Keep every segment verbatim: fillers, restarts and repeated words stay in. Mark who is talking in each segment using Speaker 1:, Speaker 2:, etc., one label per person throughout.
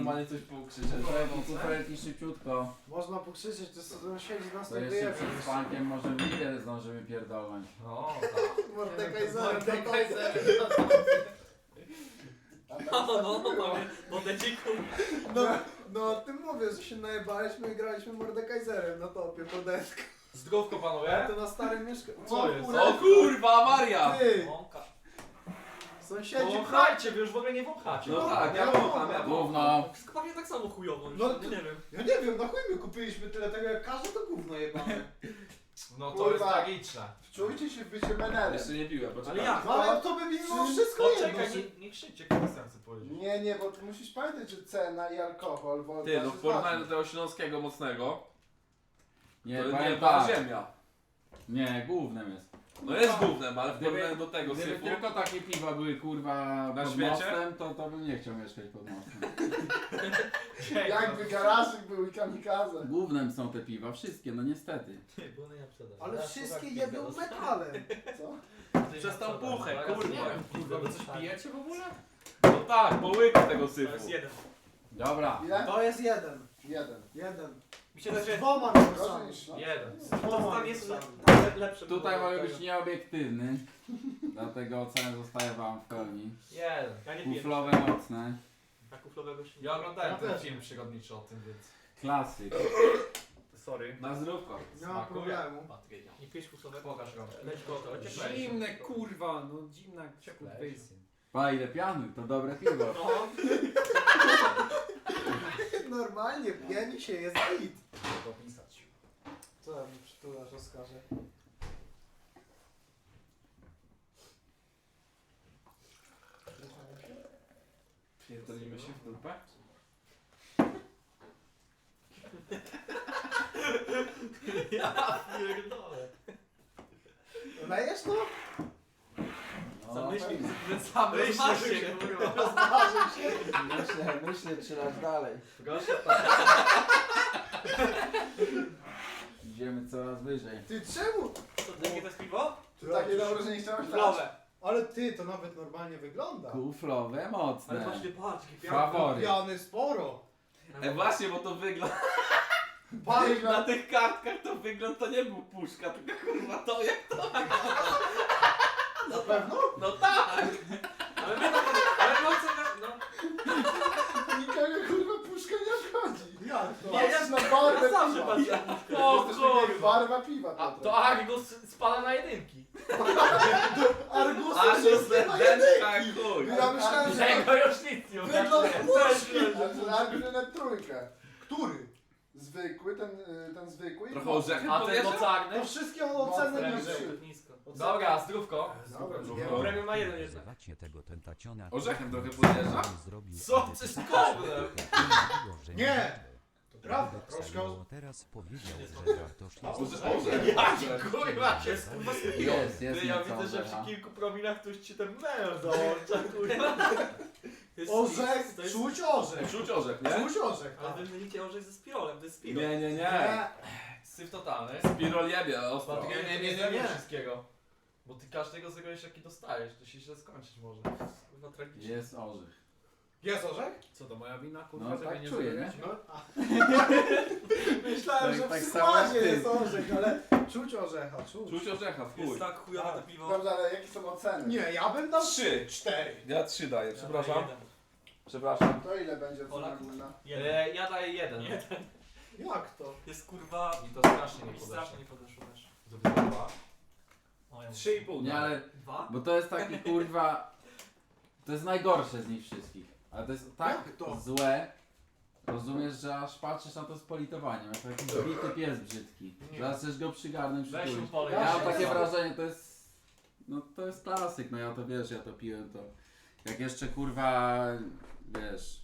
Speaker 1: normalnie coś pokrzyczeć. Lepiej kuferki szybciutko.
Speaker 2: Można pokrzyczeć, to sąsiedzi nas
Speaker 1: To
Speaker 2: nie
Speaker 1: jeszcze
Speaker 2: wyjebą.
Speaker 1: przed spankiem może ile zdążymy pierdolnąć.
Speaker 3: No tak.
Speaker 2: Mordekaiserem.
Speaker 3: Mordekaiserem.
Speaker 4: No, no, no, mamy modeciku.
Speaker 2: No, no o tym mówię, że się najebaliśmy i graliśmy Mordekaiserem na topie po deskę.
Speaker 3: Zdrówko
Speaker 2: Ja
Speaker 3: panowie.
Speaker 2: to na starym mieszkaniu.
Speaker 3: Co jest?
Speaker 1: O kurwa, Maria!
Speaker 2: Ty!
Speaker 4: Mąka.
Speaker 2: Sąsiedzi...
Speaker 3: Wąchajcie, wy już w ogóle nie wąchacie.
Speaker 1: No tak, ja
Speaker 2: ja
Speaker 1: wącham, ja
Speaker 4: Gówno.
Speaker 1: wącham.
Speaker 4: Pachnie tak samo chujowo,
Speaker 2: No
Speaker 4: no,
Speaker 2: to-
Speaker 4: nie wiem.
Speaker 2: Ja nie wiem, na chuj my kupiliśmy tyle tego, jak każde to gówno jebane.
Speaker 3: No to
Speaker 2: Kurwa.
Speaker 3: jest tragiczne.
Speaker 2: Wczujcie się w bycie menelem.
Speaker 1: Jeszcze nie piłem, poczekaj.
Speaker 4: Ale jak?
Speaker 2: No ale to by mimo wszystko jedno.
Speaker 3: Poczekaj, nie, nie krzyczcie, Krystian chce powiedzieć.
Speaker 2: Nie, nie, bo tu musisz pamiętać, że cena i alkohol, bo...
Speaker 5: Ty, no w porównaniu do tego śląskiego mocnego,
Speaker 1: Nie,
Speaker 5: to
Speaker 1: powiem
Speaker 5: nie ta
Speaker 1: tak.
Speaker 5: ziemia.
Speaker 1: Nie, głównym jest.
Speaker 5: No jest gównem, ale w
Speaker 1: Gdyby-
Speaker 5: porównaniu do tego
Speaker 1: Gdyby
Speaker 5: syfu...
Speaker 1: tylko takie piwa były kurwa
Speaker 5: Na
Speaker 1: pod
Speaker 5: świecie?
Speaker 1: mostem, to, to bym nie chciał mieszkać pod mostem.
Speaker 2: Jakby garażyk był i kamikaze.
Speaker 1: Głównym są te piwa, wszystkie, no niestety.
Speaker 4: Nie, było nie sprzedaż.
Speaker 2: Ale wszystkie jebią metalem. Co?
Speaker 5: Przez tą puchę, kurwa.
Speaker 3: Kurwa, wy coś pijecie w ogóle?
Speaker 5: No tak, po łyku tego
Speaker 4: To
Speaker 5: syfu.
Speaker 4: jest jeden.
Speaker 1: Dobra.
Speaker 2: Ile?
Speaker 6: To jest jeden.
Speaker 2: Jeden.
Speaker 6: Jeden.
Speaker 4: Mi się wydaje, że
Speaker 6: Dwoma
Speaker 2: Gorzej
Speaker 6: napisami.
Speaker 2: niż no.
Speaker 3: Jeden.
Speaker 4: to tam jest le, lepsze.
Speaker 1: Tutaj
Speaker 4: było
Speaker 1: mogę
Speaker 4: od
Speaker 1: być
Speaker 4: tego.
Speaker 1: nieobiektywny, dlatego ocena zostaje wam w pełni.
Speaker 3: Jeden.
Speaker 4: Ja nie piję.
Speaker 1: Kuflowe mocne,
Speaker 4: Ja kuflowego się nie
Speaker 3: Ja oglądałem
Speaker 6: Ja
Speaker 3: ten
Speaker 6: też.
Speaker 3: film przygodniczy o tym, więc...
Speaker 1: klasyk.
Speaker 3: Sorry.
Speaker 1: Na zdrówko.
Speaker 6: Nie ma
Speaker 3: Smakuje.
Speaker 6: problemu.
Speaker 3: Patrynia.
Speaker 4: Nie pijesz kuflowego?
Speaker 3: Pokaż go.
Speaker 4: Leć go, to cieplejsze.
Speaker 3: Zimne,
Speaker 6: kurwa, no zimna
Speaker 3: Cieplejsze.
Speaker 1: Pa, ile piany, to dobre piwo.
Speaker 4: No,
Speaker 2: Normalnie, pieni się, jest git.
Speaker 3: Popisać.
Speaker 2: Co ja mi przytulasz, Oskarze?
Speaker 5: Pierdolimy się w dupę?
Speaker 4: pierdolę.
Speaker 2: Lejesz to?
Speaker 4: Zamyślił,
Speaker 3: Sam
Speaker 4: rozmarzł się, kurwa.
Speaker 2: Rozmarzył się.
Speaker 6: Myślę, myślę, czy raz dalej.
Speaker 3: Proszę,
Speaker 1: Idziemy coraz wyżej.
Speaker 2: Ty czemu?
Speaker 4: Co, jakie to jest piwo?
Speaker 2: To takie dobre, że nie chciałeś dać?
Speaker 4: Kuflowe.
Speaker 2: Ale ty, to nawet normalnie wygląda.
Speaker 1: Kuflowe
Speaker 4: Ale
Speaker 1: mocne.
Speaker 4: właśnie patrz, jakie
Speaker 1: Faworyt.
Speaker 2: Piany sporo.
Speaker 5: E właśnie, bo to wygląd...
Speaker 2: Palisz
Speaker 5: Na
Speaker 2: na...
Speaker 5: tych kartkach to wygląd to nie był puszka, tylko kurwa to jak to...
Speaker 2: Na pewno?
Speaker 5: No tak!
Speaker 4: Ale my to, ale my oceniamy, no.
Speaker 2: Nikogo kurwa puszka nie obchodzi. Jak to?
Speaker 4: Nie, ja-
Speaker 2: Patrzysz na barwę
Speaker 4: Ja zawsze
Speaker 2: piwa.
Speaker 4: patrzę na puszkę.
Speaker 5: O
Speaker 2: To jest takie jak
Speaker 5: kurwa!
Speaker 2: barwa piwa,
Speaker 3: A
Speaker 2: Piotrek.
Speaker 3: to Argus spada na jedynki.
Speaker 2: Argusy
Speaker 5: Aż
Speaker 2: wszystkie
Speaker 5: jest
Speaker 2: na
Speaker 5: dętka
Speaker 2: jedynki.
Speaker 5: chuj!
Speaker 2: Ja myślałem, że...
Speaker 3: Tego już nic nie
Speaker 2: Wygląd puszki!
Speaker 4: Też,
Speaker 2: A Argus na trójkę. Który? Zwykły, ten, y, ten zwykły? i
Speaker 5: Trochę
Speaker 2: mocny.
Speaker 5: orzechem
Speaker 3: A ten
Speaker 5: podjeżdża?
Speaker 3: mocarny?
Speaker 2: To wszystkie oceny
Speaker 3: Mocne,
Speaker 2: niższe.
Speaker 4: nisko.
Speaker 3: Dobra, zdrówko.
Speaker 2: Dobra,
Speaker 5: Dobra.
Speaker 2: nie.
Speaker 4: Premium ma jeden jednak.
Speaker 7: Używacie tego tentaciona.
Speaker 5: Orzechem trochę
Speaker 7: który
Speaker 5: podjeżdża?
Speaker 7: zrobił
Speaker 3: Co?
Speaker 7: edycję
Speaker 3: Coś
Speaker 7: tego,
Speaker 3: koble.
Speaker 7: że
Speaker 2: Nie!
Speaker 7: To
Speaker 2: prawda, troszkę o-
Speaker 7: Teraz powiedział, że Bartosz jest...
Speaker 5: Orze- Orzech.
Speaker 3: Jaki kurwa
Speaker 4: To
Speaker 3: się
Speaker 4: jest kurwa
Speaker 1: Jest, jest
Speaker 3: Ty, ja
Speaker 1: nieco
Speaker 3: widzę, że
Speaker 1: orzecha.
Speaker 3: przy kilku promilach tu już ci ten mel dołącza, kurwa.
Speaker 4: To jest
Speaker 2: Orzech,
Speaker 4: to jest-
Speaker 2: czuć orzech.
Speaker 5: Czuć orzech, nie?
Speaker 2: Czuć orzech.
Speaker 4: Ale wy mylicie orzech ze spirolem, to jest spirol.
Speaker 5: Nie, nie, nie.
Speaker 2: Nie.
Speaker 3: Syf totalny.
Speaker 5: Spirol jebie, ostro.
Speaker 3: Patryk,
Speaker 2: Nie,
Speaker 3: nie,
Speaker 2: nie,
Speaker 3: nie,
Speaker 2: nie,
Speaker 3: nie,
Speaker 2: nie.
Speaker 3: wszystkiego. Bo ty każdego zrobisz jaki dostajesz, to się źle skończyć może.
Speaker 4: Kurwa tragicznie.
Speaker 1: Jest orzech.
Speaker 2: Jest orzech?
Speaker 3: Co to moja wina, kurwa,
Speaker 1: No
Speaker 3: że
Speaker 1: tak
Speaker 3: mnie nie
Speaker 1: czuję,
Speaker 3: zrobiłeś?
Speaker 1: nie?
Speaker 2: No. Myślałem,
Speaker 1: Tak-
Speaker 2: że
Speaker 1: tak
Speaker 2: w
Speaker 1: samo jak
Speaker 2: składzie
Speaker 1: ty.
Speaker 2: jest orzech, ale czuć orzecha, czuć.
Speaker 5: Czuć orzecha, w chuj.
Speaker 4: Jest tak chujowe to piwo.
Speaker 2: Dobrze, ale jakie są oceny? Nie, ja bym dał
Speaker 5: Trzy.
Speaker 2: cztery.
Speaker 5: Ja trzy daję,
Speaker 4: Ja
Speaker 5: przepraszam.
Speaker 4: daję jeden.
Speaker 5: Przepraszam.
Speaker 2: To ile będzie cena
Speaker 4: Polak.
Speaker 2: ogólna?
Speaker 4: Jeden.
Speaker 3: E, ja daję jeden.
Speaker 4: Jeden.
Speaker 2: Jak to?
Speaker 4: Jest kurwa...
Speaker 3: I to strasznie nie
Speaker 4: Mi
Speaker 3: podeszło.
Speaker 4: strasznie nie podeszło też.
Speaker 3: Zrobiłem dwa.
Speaker 4: O, ja
Speaker 5: Trzy i pół.
Speaker 1: Nie, ale...
Speaker 4: Dwa?
Speaker 1: Bo to jest taki kurwa... To jest najgorsze z nich wszystkich. Ale to jest tak
Speaker 2: Jak to?
Speaker 1: złe. Rozumiesz, że aż patrzysz na to z politowaniem. Jak jakiś bity pies brzydki. Zaraz chcesz go przygarnąć,
Speaker 3: Weź
Speaker 1: przytulić.
Speaker 3: mu polej.
Speaker 1: Ja mam
Speaker 2: się
Speaker 1: takie
Speaker 2: znam.
Speaker 1: wrażenie, to jest... No to jest klasyk, no ja to wiesz, ja to piłem to... Jak jeszcze kurwa... Wiesz...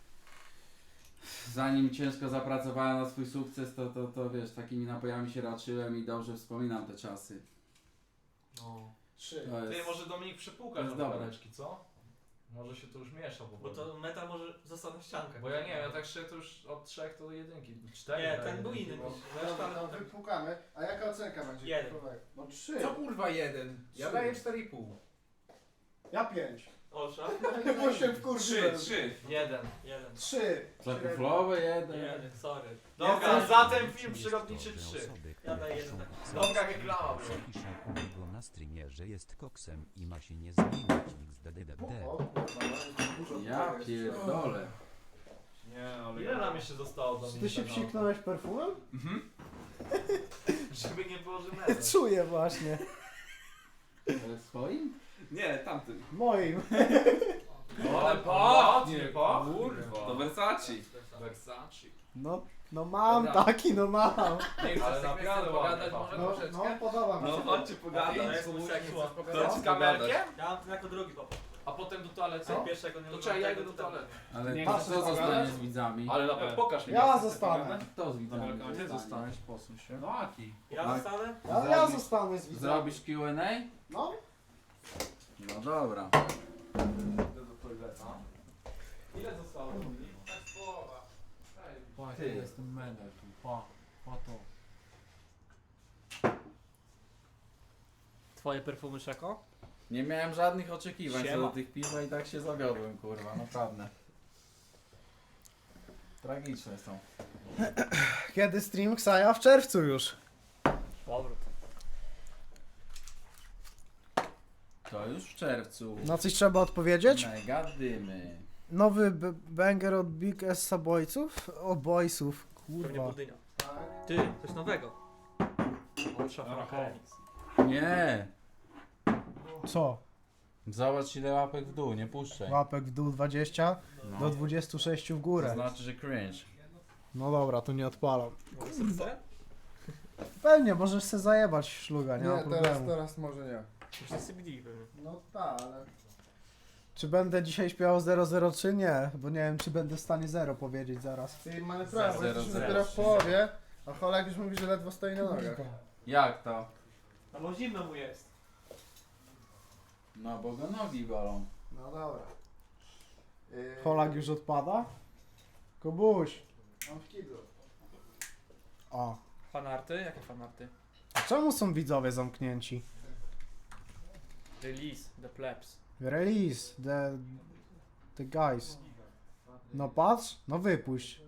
Speaker 1: Zanim ciężko zapracowałem na swój sukces, to, to, to wiesz, takimi napojami się raczyłem i dobrze wspominam te czasy.
Speaker 4: No.
Speaker 2: Trzy.
Speaker 1: To
Speaker 3: Ty,
Speaker 1: jest...
Speaker 3: może Dominik przepłukać
Speaker 1: jest
Speaker 3: na
Speaker 1: dobre.
Speaker 3: buteleczki, co? Może się to już miesza po
Speaker 4: Bo to metal może został na ściankach.
Speaker 3: Bo ja nie wiem, ja tak szczerze to już od trzech do jedynki, cztery.
Speaker 4: Nie,
Speaker 3: daję
Speaker 4: ten był
Speaker 3: jedynki,
Speaker 4: inny.
Speaker 3: bo-
Speaker 2: Dobra, to
Speaker 4: Reszta...
Speaker 2: wypłukamy. A jaka ocenka będzie?
Speaker 4: Jeden.
Speaker 2: No trzy.
Speaker 3: Co kurwa jeden? Ja
Speaker 2: Trzy.
Speaker 3: daję cztery i pół.
Speaker 2: Ja pięć.
Speaker 3: Osza.
Speaker 2: Bo się
Speaker 5: Trzy,
Speaker 2: wkurzyłem.
Speaker 5: trzy.
Speaker 4: Jeden. Jeden.
Speaker 2: Trzy.
Speaker 1: Zakuflowy jeden.
Speaker 4: Jeden, sorry.
Speaker 3: Dobra,
Speaker 4: Jeden.
Speaker 3: za ten film przyrodniczy trzy.
Speaker 4: Ja daję jeden.
Speaker 3: Dobra reklama była.
Speaker 7: Pisze u niego na streamie, że jest koksem i ma się nie zmienić X D D D D.
Speaker 2: O, kurwa, dużo
Speaker 1: Ja
Speaker 2: jest.
Speaker 1: pierdolę.
Speaker 3: Nie, ale... Ile nam jeszcze zostało do
Speaker 6: Czy ty się
Speaker 3: minuty, no?
Speaker 6: psiknąłeś perfumem?
Speaker 5: Mhm.
Speaker 3: Żeby nie było, że memy.
Speaker 6: Czuję właśnie.
Speaker 1: Ale swoim?
Speaker 5: Nie, tamtym.
Speaker 6: Moim.
Speaker 3: O,
Speaker 5: Ale
Speaker 3: pachnie,
Speaker 5: pachnie,
Speaker 3: kurwa.
Speaker 5: To Versace.
Speaker 3: Versace.
Speaker 6: No, no mam
Speaker 1: Dobra.
Speaker 6: taki, no mam.
Speaker 3: Ale naprawdę ładnie
Speaker 2: No,
Speaker 3: pachnie.
Speaker 2: no, podoba mi
Speaker 5: No
Speaker 2: się.
Speaker 5: chodźcie pogadać.
Speaker 3: To ci z kamerkiem?
Speaker 4: Ja mam jako drugi papa.
Speaker 3: A potem do toalety?
Speaker 4: Co? Pierwszego nie
Speaker 3: To
Speaker 4: lubię,
Speaker 3: czekaj, ja
Speaker 4: tego
Speaker 3: idę do
Speaker 4: to tak.
Speaker 3: toalety.
Speaker 1: Ale
Speaker 6: Nie,
Speaker 1: to
Speaker 6: patrz,
Speaker 1: kto
Speaker 6: co
Speaker 1: zostanie
Speaker 6: gadasz?
Speaker 1: z widzami?
Speaker 3: Ale na pewno pokaż mi.
Speaker 6: Ja zostanę.
Speaker 1: Kto z widzami?
Speaker 3: Dobra, gdzie
Speaker 1: zostanie?
Speaker 3: zostaniesz? Posuń się.
Speaker 1: No Aki.
Speaker 4: Ja
Speaker 1: Tak.
Speaker 4: zostanę?
Speaker 6: Ja, ja zostanę z widzami.
Speaker 1: Zrobisz Q and A?
Speaker 6: No.
Speaker 1: No dobra.
Speaker 3: Idę do toalety. Ile zostało? Tak połowa.
Speaker 1: Pa,
Speaker 3: Ty.
Speaker 1: jestem medal tu, pa, pa to.
Speaker 4: Twoje perfumy, Szeko?
Speaker 1: Nie miałem żadnych oczekiwań co
Speaker 4: Siema.
Speaker 1: do tych piwa i tak się zawiodłem, kurwa, naprawdę. Tragiczne są.
Speaker 6: Kiedy stream Ksaja? W czerwcu już.
Speaker 4: Powrót.
Speaker 1: To już w czerwcu.
Speaker 6: Na coś trzeba odpowiedzieć?
Speaker 1: Mega dymy.
Speaker 6: Nowy b- banger od Big S Boysów? O Boysów,
Speaker 4: Pewnie
Speaker 6: kurwa.
Speaker 4: budynia.
Speaker 2: Tak.
Speaker 4: Ty, coś nowego. Ultra Funk Remix.
Speaker 1: Nie!
Speaker 6: Co?
Speaker 1: Zobacz ile łapek w dół, nie puszczaj.
Speaker 6: Łapek w dół dwadzieścia
Speaker 1: No.
Speaker 6: do dwudziestu sześciu w
Speaker 1: To
Speaker 6: górę.
Speaker 1: znaczy, że cringe.
Speaker 6: No dobra, to nie odpalam.
Speaker 4: Kurwa.
Speaker 6: Pewnie, możesz se zajebać szluga, nie, ma
Speaker 2: Nie, teraz,
Speaker 6: problemu.
Speaker 2: teraz może nie.
Speaker 4: Myślę C B D pewnie.
Speaker 2: No tak, ale...
Speaker 6: Czy będę dzisiaj śpiewał zero zero trzy? Nie, bo nie wiem czy będę w stanie zero powiedzieć zaraz.
Speaker 2: Ty mamy prawo,
Speaker 1: Zero,
Speaker 2: jesteśmy
Speaker 1: zero,
Speaker 2: dopiero w
Speaker 1: trzy.
Speaker 2: połowie, a Holak już mówi, że ledwo stoi na nogach.
Speaker 1: Jak to?
Speaker 4: A bo zimno mu jest.
Speaker 1: No bo go nogi bolą.
Speaker 2: No dobra. Yy,
Speaker 6: Holak już odpada? Kubuś.
Speaker 2: Mam w kiblu.
Speaker 6: O.
Speaker 4: Fanarty? Jakie fanarty?
Speaker 6: A czemu są widzowie zamknięci?
Speaker 4: Release, The Plebs.
Speaker 6: Release, the... the guys. No patrz, no wypuść.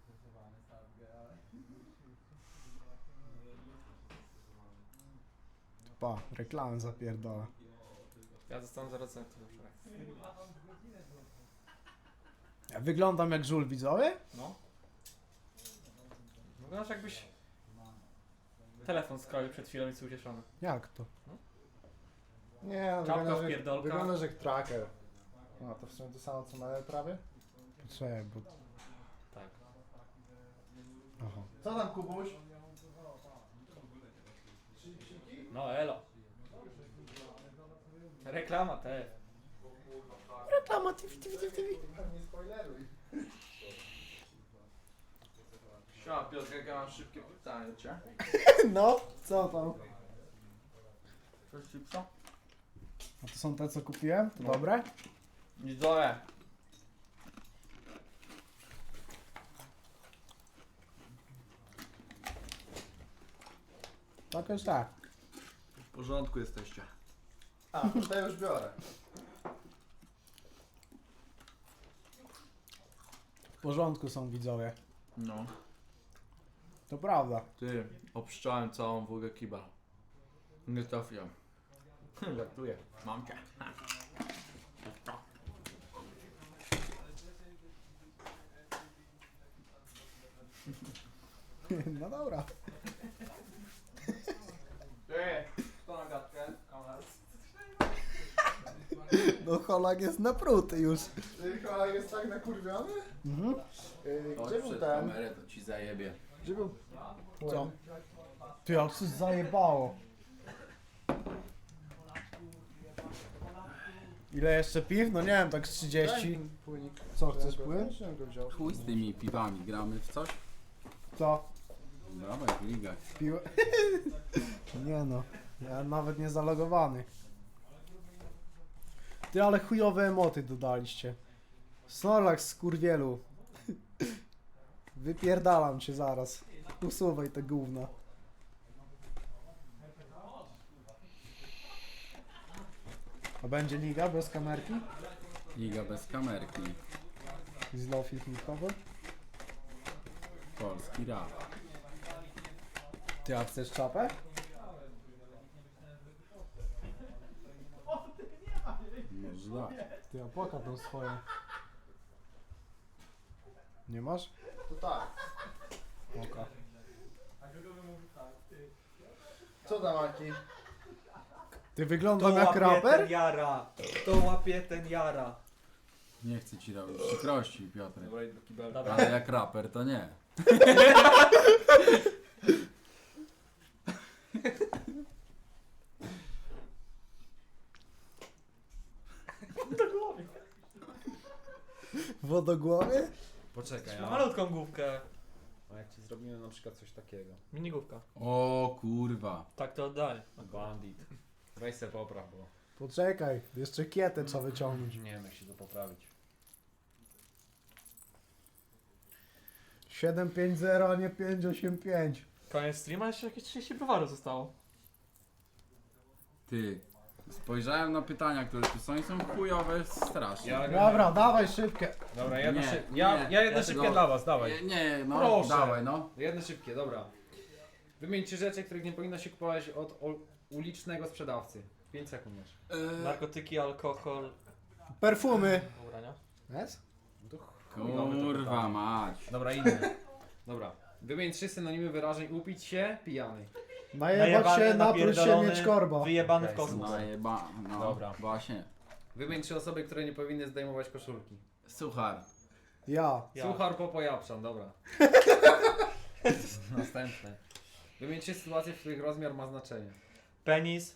Speaker 6: Pa, reklamy zapierdala.
Speaker 4: Ja zostanę za recenzję.
Speaker 6: Ja wyglądam jak żul widzowie?
Speaker 4: No. Wyglądasz jakbyś telefon scrollił przed chwilą i jest ucieszony.
Speaker 6: Jak to?
Speaker 2: Nie, no,
Speaker 4: Czapka
Speaker 2: wyglądasz
Speaker 4: w
Speaker 2: jak-
Speaker 4: pierdolkach.
Speaker 2: wyglądasz jak tracker. No to w sumie to samo co Mele prawie.
Speaker 6: Poczekaj, bo...
Speaker 4: Tak.
Speaker 6: Aha.
Speaker 2: Co tam Kubuś?
Speaker 4: No elo. Reklama te.
Speaker 6: Reklama, T V, T V, T V.
Speaker 2: Nie spoileruj.
Speaker 3: Siema Piotr, jak ja mam szybkie pytanie cię.
Speaker 6: No, co tam?
Speaker 3: Coś chipsa?
Speaker 6: A to są te co kupiłem? To dobre?
Speaker 3: Widzowie.
Speaker 6: Tak jest tak.
Speaker 3: W porządku jesteście.
Speaker 2: A, to ja już biorę.
Speaker 6: W porządku są widzowie.
Speaker 3: No.
Speaker 6: To prawda.
Speaker 3: Ty, obszczałem całą wógę kiba. Nie trafiłem. Żartuję. Mam cię.
Speaker 6: No dobra.
Speaker 3: Ty, kto na gadkę?
Speaker 6: No Holak jest napruty już.
Speaker 2: Ty Holak jest tak nakurwiony?
Speaker 6: Mhm.
Speaker 2: Yy,
Speaker 1: Chodź
Speaker 2: gdzie był
Speaker 1: przed
Speaker 2: ten?
Speaker 1: kamerę, to ci zajebie.
Speaker 2: Gdzie był?
Speaker 6: Co? Ty, ale coś zajebało. Ile jeszcze piw? No nie wiem, tak z trzydzieści.
Speaker 2: Płynik.
Speaker 6: Co, chcesz płyn?
Speaker 2: Czy go wziął?
Speaker 1: Chuj z tymi piwami, gramy w coś?
Speaker 6: Co?
Speaker 1: Dawaj, w ligach.
Speaker 6: Piło? Nie no, ja nawet nie zalogowany. Ty, ale chujowe emoty dodaliście. Snorlax z kurwielu. Wypierdalam cię zaraz. Usuwaj te gówna. A będzie liga bez kamerki?
Speaker 1: Liga bez kamerki.
Speaker 6: Znowu filmikowy.
Speaker 1: Polski rap.
Speaker 6: Ty, a chcesz czapę?
Speaker 1: Może dać.
Speaker 6: Ty, a płaka tą swoją. Nie masz?
Speaker 2: To tak.
Speaker 6: Oka.
Speaker 2: Co tam, Aki?
Speaker 6: Ty
Speaker 4: To
Speaker 6: wyglądam jak
Speaker 4: łapie
Speaker 6: raper?
Speaker 4: ten jara. To łapie ten jara.
Speaker 1: Nie chcę ci robić przykrości, Piotr.
Speaker 3: Dobra, idę do kibelka.
Speaker 4: Dobra.
Speaker 1: Ale jak raper to nie.
Speaker 6: Wodogłowie?
Speaker 3: Poczekaj,
Speaker 4: Ma
Speaker 3: a...
Speaker 4: malutką główkę.
Speaker 3: a jak ci zrobimy na przykład coś takiego?
Speaker 4: Minigłówka.
Speaker 1: O kurwa.
Speaker 4: Tak to oddaj.
Speaker 3: Bandit. Weź se popraw, bo
Speaker 6: Poczekaj, jeszcze kietę trzeba wyciągnąć.
Speaker 3: nie wiem jak się to poprawić.
Speaker 6: siedem pięć zero, a nie pięć osiem pięć.
Speaker 4: Koniec streama, jeszcze jakieś trzydzieści browarów zostało.
Speaker 1: Ty. Spojrzałem na pytania, które tu są i są chujowe strasznie.
Speaker 3: Ja-
Speaker 6: Dobra, dawaj szybkie.
Speaker 3: Dobra, jedno
Speaker 1: Nie,
Speaker 3: szyb... ja,
Speaker 1: nie.
Speaker 3: ja jedno
Speaker 1: Ja
Speaker 3: szybkie
Speaker 1: tego-
Speaker 3: dla was, dawaj.
Speaker 1: Nie, nie, no
Speaker 3: Proszę.
Speaker 1: dawaj no.
Speaker 3: Jedno szybkie, dobra. Wymieńcie rzeczy, których nie powinno się kupować od o- ulicznego sprzedawcy. pięć sekund masz.
Speaker 1: E,
Speaker 4: Narkotyki, alkohol,
Speaker 6: Perfumy.
Speaker 4: ubrania.
Speaker 6: Jest?
Speaker 1: kurwa mać.
Speaker 3: Dobra, inny. Dobra. Wymień trzy synonimy wyrażeń upić się, pijany.
Speaker 6: Najebać się, napróć się, mieć korba.
Speaker 4: wyjebany w
Speaker 3: Okej,
Speaker 4: kosmos.
Speaker 1: No jeba, no
Speaker 3: Dobra.
Speaker 1: właśnie.
Speaker 3: Wymień trzy osoby, które nie powinny zdejmować koszulki.
Speaker 1: Suchar.
Speaker 6: Ja.
Speaker 4: Ja.
Speaker 3: Suchar, Popo, Japszan, dobra. Następne. Wymień trzy sytuacje, w których rozmiar ma znaczenie.
Speaker 4: Penis.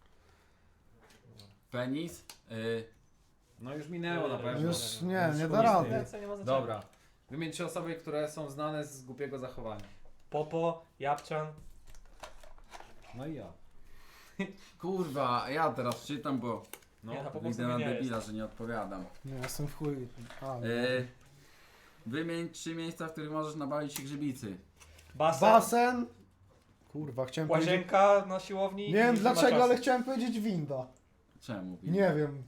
Speaker 1: Penis. Y,
Speaker 3: No już minęło na pewno.
Speaker 6: Już nie, nie
Speaker 3: Już
Speaker 6: da rady.
Speaker 4: Więcej nie ma znaczenia.
Speaker 3: Dobra. Wymień trzy osoby, które są znane z głupiego zachowania.
Speaker 4: Popo, Japczan.
Speaker 3: No i ja.
Speaker 1: kurwa, ja teraz czytam, bo
Speaker 3: No.
Speaker 4: Nie, na Popo
Speaker 1: widzę
Speaker 4: sobie
Speaker 1: na
Speaker 4: nie
Speaker 1: debila,
Speaker 4: jest.
Speaker 1: że nie odpowiadam.
Speaker 6: Nie, jestem w chuj. A,
Speaker 1: Y, wymień trzy miejsca, w których możesz nabawić się grzybicy.
Speaker 4: Basen.
Speaker 6: Basen. Kurwa, chciałem powiedzieć...
Speaker 4: Łazienka na siłowni.
Speaker 6: Nie wiem
Speaker 4: i
Speaker 6: dlaczego,
Speaker 4: matrasy.
Speaker 6: ale chciałem powiedzieć winda.
Speaker 1: Czemu?
Speaker 6: Nie wiem.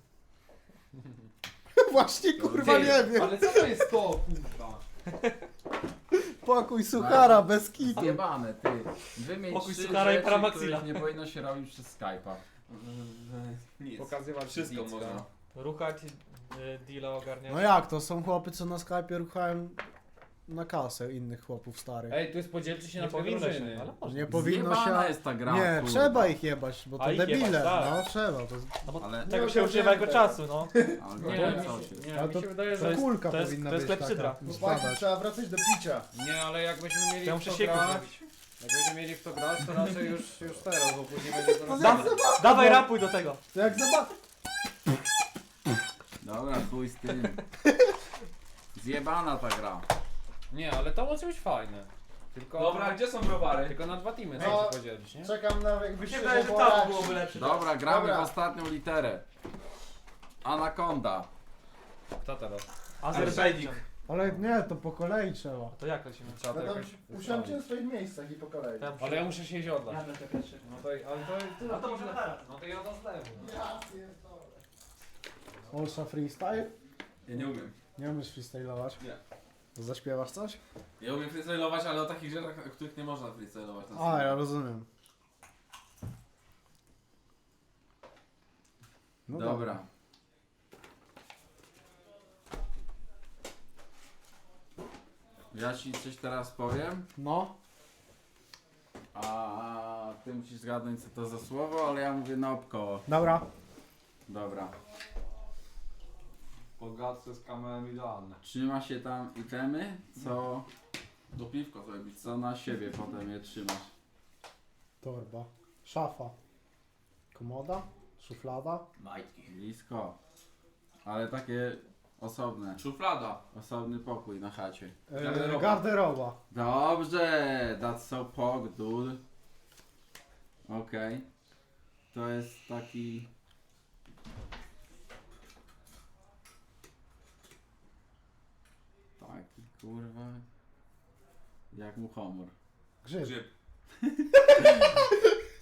Speaker 6: Właśnie kurwa nie wiem.
Speaker 3: Ale co to jest to, kurwa?
Speaker 6: Pokój suchara bez kitu.
Speaker 1: Zjebane, ty. Wymień
Speaker 4: Pokój
Speaker 1: trzy
Speaker 4: suchara i
Speaker 1: rzeczy,
Speaker 4: paramaxila.
Speaker 1: których nie powinno się robić przez Skype'a.
Speaker 5: Nic.
Speaker 3: Pokazywać
Speaker 5: Wszystko
Speaker 3: nic,
Speaker 5: można.
Speaker 3: no.
Speaker 4: Ruchać, y, deala ogarniać.
Speaker 6: No jak to? Są chłopy, co na Skype'ie ruchają na kasę innych chłopów starych.
Speaker 3: Ej, tu jest podzielcie się
Speaker 4: Nie
Speaker 3: na dwie
Speaker 4: powinno
Speaker 3: drużyny.
Speaker 4: się, ale można.
Speaker 6: Nie powinno
Speaker 1: Zjebana
Speaker 6: się...
Speaker 1: jest ta gra,
Speaker 6: Nie,
Speaker 1: kurwa.
Speaker 6: trzeba ich jebać, bo to
Speaker 4: A ich
Speaker 6: debile.
Speaker 4: jebać, tak.
Speaker 6: No trzeba. To...
Speaker 4: No bo
Speaker 1: Ale-
Speaker 4: tego
Speaker 2: Nie
Speaker 4: się używa jako
Speaker 2: ogarnięte.
Speaker 4: czasu, no.
Speaker 1: Albo
Speaker 3: Nie,
Speaker 1: nie,
Speaker 3: mi
Speaker 1: coś
Speaker 3: się,
Speaker 1: jest.
Speaker 3: nie,
Speaker 6: Ale
Speaker 3: mi
Speaker 6: to-
Speaker 3: się wydaje,
Speaker 6: To
Speaker 3: że...
Speaker 4: jest-
Speaker 6: kulka
Speaker 4: to jest-
Speaker 6: powinna
Speaker 4: to jest
Speaker 6: być
Speaker 4: klepsydra.
Speaker 6: taka.
Speaker 2: Chłopaki,
Speaker 6: Spadać.
Speaker 2: trzeba wracać do picia.
Speaker 3: Nie, ale jak będziemy mieli
Speaker 4: Ja
Speaker 3: w
Speaker 4: muszę
Speaker 3: to
Speaker 4: sieku
Speaker 3: grać,
Speaker 4: zrobić.
Speaker 3: jak będziemy mieli w to grać, to raczej już, już teraz, bo później będzie to
Speaker 4: Da, dawaj rapuj do tego.
Speaker 6: To jak zobacz...
Speaker 1: Dobra, chuj z tym. Zjebana ta gra.
Speaker 3: Nie, ale to może być fajne. Tylko,
Speaker 5: Dobra, gdzie są browary?
Speaker 3: tylko na dwa teamy
Speaker 2: No.
Speaker 3: trzeba się podzielić, nie?
Speaker 2: Czekam na jak
Speaker 4: Mi się
Speaker 2: wyjście
Speaker 4: wydaje, że
Speaker 2: po
Speaker 4: tam byłoby lepsze.
Speaker 1: Dobra, gramy
Speaker 2: Dobra.
Speaker 1: w ostatnią literę. Anakonda.
Speaker 3: Kto teraz?
Speaker 4: Azerbejdżan.
Speaker 6: Ale nie, to po kolei trzeba.
Speaker 4: To jak lecimy?
Speaker 3: Trzeba to
Speaker 2: No to
Speaker 3: jakoś
Speaker 2: usiądźcie na
Speaker 3: ustawić.
Speaker 2: swoich miejscach i po kolei.
Speaker 4: Ja muszę-
Speaker 3: Ale ja muszę się iść odlać.
Speaker 4: Ja będę pierwszy.
Speaker 3: No to, ale to,
Speaker 4: No to może teraz.
Speaker 3: no to ja do zlewu.
Speaker 6: Olsza freestyle?
Speaker 5: Ja nie umiem.
Speaker 6: Nie umiesz freestylować?
Speaker 5: Nie.
Speaker 6: To zaśpiewasz coś?
Speaker 5: Ja umiem freestylować, ale o takich rzeczach, o których nie można freestylować. na
Speaker 6: A,
Speaker 5: scenie.
Speaker 6: ja rozumiem. No
Speaker 1: Dobra. Ja ci coś teraz powiem,
Speaker 6: No.
Speaker 1: a ty musisz zgadnąć co to za słowo, ale ja mówię naokoło.
Speaker 6: Dobra.
Speaker 1: Dobra.
Speaker 3: Bogactwo z kamerą idealne.
Speaker 1: Trzyma się tam itemy, co,
Speaker 5: Do piwko zrobić.
Speaker 1: co na siebie potem je trzymasz.
Speaker 6: Torba. Szafa. Komoda. Szuflada.
Speaker 5: Majtki.
Speaker 1: Blisko. Ale takie osobne.
Speaker 5: Szuflada.
Speaker 1: Osobny pokój na chacie.
Speaker 6: E,
Speaker 5: Garderoba.
Speaker 6: garderoba.
Speaker 1: Dobrze, that's so pog, dude. Okej. To jest taki... Taki kurwa... Jak mu homor.
Speaker 6: Grzyb.
Speaker 5: Grzyb.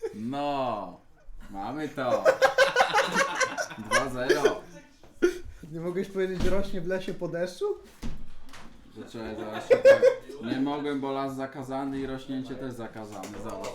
Speaker 1: No, mamy to. dwa zero.
Speaker 6: Nie mogłeś powiedzieć, że rośnie w lesie po deszczu?
Speaker 1: Zaczekaj, zaraz się tak. Nie mogłem, bo las zakazany i rośnięcie też zakazane. Zobacz.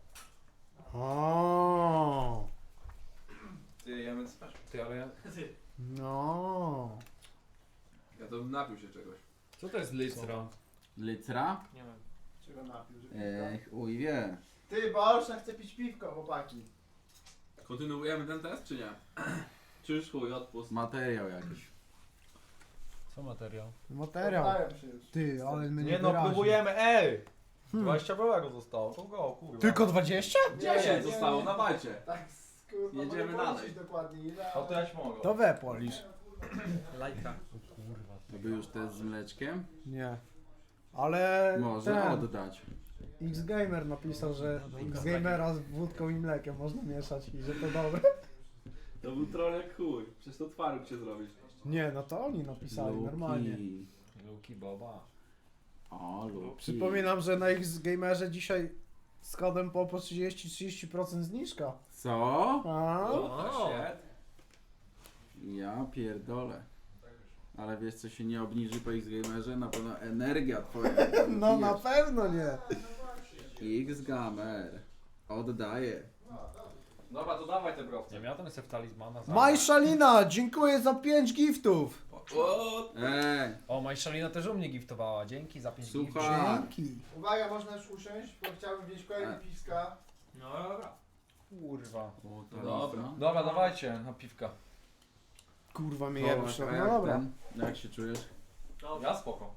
Speaker 6: O,
Speaker 3: Ty, jemy spać. Ty, ale ja...
Speaker 6: no.
Speaker 3: Ja to bym napił się czegoś.
Speaker 4: Co to jest litra?
Speaker 1: Litra?
Speaker 4: Nie wiem.
Speaker 2: Czego napił, że
Speaker 1: Ech, uj wie.
Speaker 2: Ty, Borsz, chce pić piwko, chłopaki.
Speaker 5: Kontynuujemy ten test, czy nie? Czy już chuj, odpust.
Speaker 1: Materiał jakiś.
Speaker 4: Co materiał?
Speaker 6: Materiał.
Speaker 2: Poddaję się już.
Speaker 6: Ty, ale my nie
Speaker 3: Nie no,
Speaker 6: wyraźnie.
Speaker 3: próbujemy, ej!
Speaker 6: Hmm.
Speaker 3: dwadzieścia białego zostało, to go, kurwa.
Speaker 6: Tylko dwadzieścia?
Speaker 5: dziesięć zostało, dawajcie.
Speaker 2: Tak, kurwa,
Speaker 5: Jedziemy
Speaker 2: mogę
Speaker 5: dalej.
Speaker 2: policzyć dokładnie ile,
Speaker 3: A to ja ci mogę.
Speaker 6: To we polisz.
Speaker 4: Lajka.
Speaker 1: To by już test z mleczkiem?
Speaker 6: Nie. Ale
Speaker 1: Może
Speaker 6: ten
Speaker 1: oddać.
Speaker 6: X-Gamer napisał, że X-Gamera z wódką i mlekiem można mieszać i że to dobre.
Speaker 5: To był troll jak chuj. Przecież to twaróg się zrobisz.
Speaker 6: Nie, no to oni napisali
Speaker 1: Luki.
Speaker 6: normalnie.
Speaker 3: Luki Boba.
Speaker 1: O, Luki.
Speaker 6: Przypominam, że na X-Gamerze dzisiaj z kodem po po trzydzieści do trzydziestu procent zniżka.
Speaker 1: Co?
Speaker 6: A?
Speaker 3: O, shit.
Speaker 1: Ja pierdolę. Ale wiesz co się nie obniży po X-Gamerze? Na pewno energia twoja.
Speaker 6: No na pewno nie.
Speaker 1: X-Gamer. Oddaję.
Speaker 3: Dobra, to dawaj te browce.
Speaker 4: Nie miałem sobie talizmana za...
Speaker 6: Majszalina, dziękuję za pięć giftów.
Speaker 5: O,
Speaker 1: Ej,
Speaker 4: O, Majszalina też u mnie giftowała. Dzięki za pięć giftów.
Speaker 1: słuchaj.
Speaker 6: Dzięki.
Speaker 2: Uwaga, można już usiąść, bo chciałbym wziąć kolejne
Speaker 1: E.
Speaker 2: piwska.
Speaker 5: no dobra.
Speaker 4: Kurwa.
Speaker 1: O, to
Speaker 5: Dobra.
Speaker 1: mocno.
Speaker 3: Dobra, dawajcie na piwka.
Speaker 6: Kurwa mnie
Speaker 1: Połach,
Speaker 6: jebsz.
Speaker 1: a
Speaker 6: No
Speaker 1: jak
Speaker 6: dobra.
Speaker 1: ten? Jak się czujesz?
Speaker 3: Ja spoko.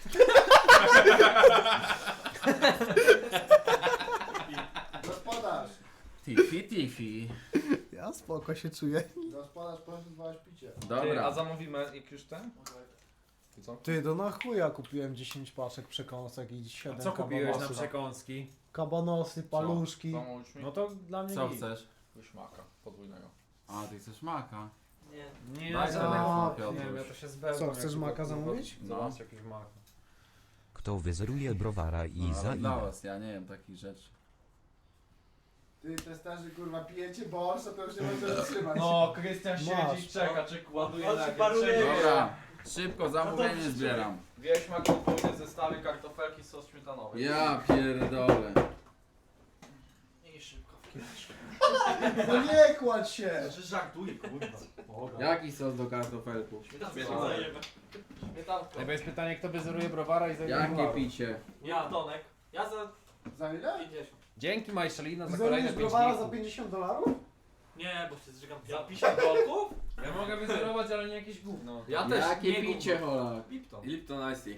Speaker 2: Gospodarz,
Speaker 1: Tifi, tifi.
Speaker 6: Ja spoko się czuję.
Speaker 2: gospodarz, poinformowałeś picie.
Speaker 3: Ty,
Speaker 1: Dobra.
Speaker 3: a zamówimy jak już ten? Ty co?
Speaker 6: Ty, to na chuja kupiłem dziesięć paczek przekąsek i siedem
Speaker 4: Co kupiłeś na
Speaker 6: kabanosów.
Speaker 4: przekąski?
Speaker 6: Kabanosy, paluszki.
Speaker 3: Zamówisz mi?
Speaker 4: No to dla mnie
Speaker 1: Co
Speaker 4: git.
Speaker 1: chcesz?
Speaker 3: Wyśmaka podwójnego.
Speaker 1: A, ty chcesz maka.
Speaker 5: Nie.
Speaker 4: Nie,
Speaker 1: Daj
Speaker 4: za-
Speaker 1: telefon,
Speaker 4: nie
Speaker 1: Piotruś.
Speaker 4: wiem, ja to się zbełkam.
Speaker 6: Co, chcesz
Speaker 4: jak
Speaker 6: maka
Speaker 4: kurwa,
Speaker 6: zamówić?
Speaker 4: Zobacz,
Speaker 1: No.
Speaker 4: jakiś mak.
Speaker 7: Kto wyzeruje browara i
Speaker 1: No,
Speaker 7: za
Speaker 1: ale dla
Speaker 7: ile?
Speaker 1: was, ja nie wiem takich rzeczy.
Speaker 2: Ty, testarzy, kurwa, pijecie Borsz, to już nie może wytrzymać.
Speaker 3: No, Krystian
Speaker 6: Masz.
Speaker 3: siedzi, czeka, czy ładuje
Speaker 5: On
Speaker 3: na
Speaker 5: się paruje.
Speaker 1: Dobra, szybko zamówienie
Speaker 5: No to
Speaker 1: zbieram.
Speaker 3: Wieś ma podwójne zestawy kartofelki sos śmietanowy.
Speaker 1: Ja pierdolę.
Speaker 5: Nie szybko.
Speaker 2: No nie kładź się!
Speaker 3: Że żartuję, kurwa.
Speaker 1: Jaki sos do kartofelków?
Speaker 3: Śmietanowy. Śmietanko.
Speaker 4: Ej, bo jest pytanie, kto wyzeruje browara i za ile
Speaker 1: Jakie
Speaker 4: browaru?
Speaker 1: picie?
Speaker 5: Ja, Tonek. Ja za
Speaker 2: Za ile?
Speaker 5: pięćdziesiąt.
Speaker 4: Dzięki Majszalina za
Speaker 6: Zerujesz
Speaker 4: kolejne pięć
Speaker 6: browara za
Speaker 4: giftów.
Speaker 6: pięćdziesiąt dolarów?
Speaker 5: Nie, bo się zżygam
Speaker 3: Za
Speaker 5: piano.
Speaker 3: pięćdziesiąt dolków?
Speaker 4: Ja mogę wyzerować, ale nie jakieś gówno.
Speaker 3: Ja też
Speaker 1: Jakie
Speaker 3: nie
Speaker 1: picie,
Speaker 3: gówno.
Speaker 1: Holak?
Speaker 3: Lipton.
Speaker 5: Lipton Ice Tea.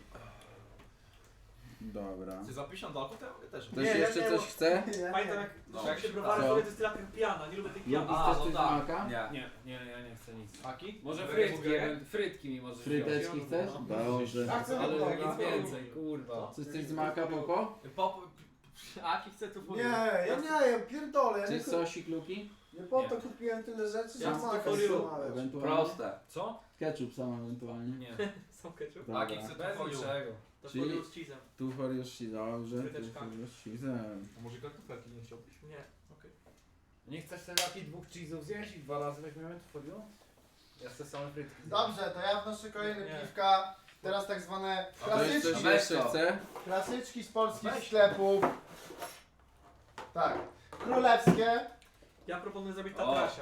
Speaker 1: Dobra.
Speaker 3: Ty za pięćdziesiąt dolków to ja też.
Speaker 1: Ktoś
Speaker 2: Nie, ja
Speaker 1: jeszcze
Speaker 2: nie,
Speaker 1: coś
Speaker 2: bo-
Speaker 1: chce?
Speaker 5: Pamiętam jak,
Speaker 3: No.
Speaker 5: jak się browary
Speaker 1: Co?
Speaker 5: robię, to jest tyle jak piana. Nie lubię tych pian.
Speaker 1: Lubisz
Speaker 3: A,
Speaker 1: też
Speaker 3: no
Speaker 1: coś z
Speaker 3: tak.
Speaker 1: maka?
Speaker 3: Nie.
Speaker 4: Nie, nie, ja nie chcę nic.
Speaker 3: Aki?
Speaker 4: Może
Speaker 3: Burgery?
Speaker 4: frytki, ewen- frytki mi możesz
Speaker 1: Fryteczki
Speaker 4: wziąć.
Speaker 1: chcesz?
Speaker 4: No.
Speaker 1: Dobrze.
Speaker 2: Ja chcę
Speaker 4: Ale
Speaker 2: dobra.
Speaker 4: nic więcej, kurwa.
Speaker 1: Coś coś z maka, Popo?
Speaker 5: Pop... Aki chce tu
Speaker 2: Nie, ja nie jem, pierdolę. Ja
Speaker 1: Czy
Speaker 2: nie, ku-
Speaker 1: sosik, Luki?
Speaker 2: nie po to
Speaker 4: Nie.
Speaker 2: kupiłem tyle rzeczy, że
Speaker 5: Ja
Speaker 2: maka
Speaker 5: chcę foriu.
Speaker 2: złamałem.
Speaker 1: Ewentualnie?
Speaker 3: Proste.
Speaker 4: Co?
Speaker 1: Ketchup sam ewentualnie.
Speaker 4: Nie.
Speaker 5: Są ketchup?
Speaker 1: Dobra.
Speaker 3: Aki chce
Speaker 4: Bez
Speaker 3: tu foliu.
Speaker 4: niczego.
Speaker 5: To
Speaker 1: Czyli-
Speaker 5: Czyli... z cheese'em.
Speaker 1: Tu for już si, dobrze. Tu
Speaker 5: Fryteczkami.
Speaker 1: for już cheese'em.
Speaker 3: A może kartofelki nie chciałbyś?
Speaker 5: Nie, okej.
Speaker 4: Nie chcesz sobie takich dwóch cheese'ów zjeść i dwa razy weźmiemy to folio? Ja chcę same frytki.
Speaker 2: Dobrze, to ja wnoszę kolejne
Speaker 5: Nie.
Speaker 2: piwka. Teraz tak zwane
Speaker 1: Ktoś coś
Speaker 2: klasyczki,
Speaker 1: jeszcze chce?
Speaker 2: klasyczki z polskich sklepów. Tak. Królewskie.
Speaker 5: Ja proponuję zrobić
Speaker 3: O.
Speaker 5: tatrasia.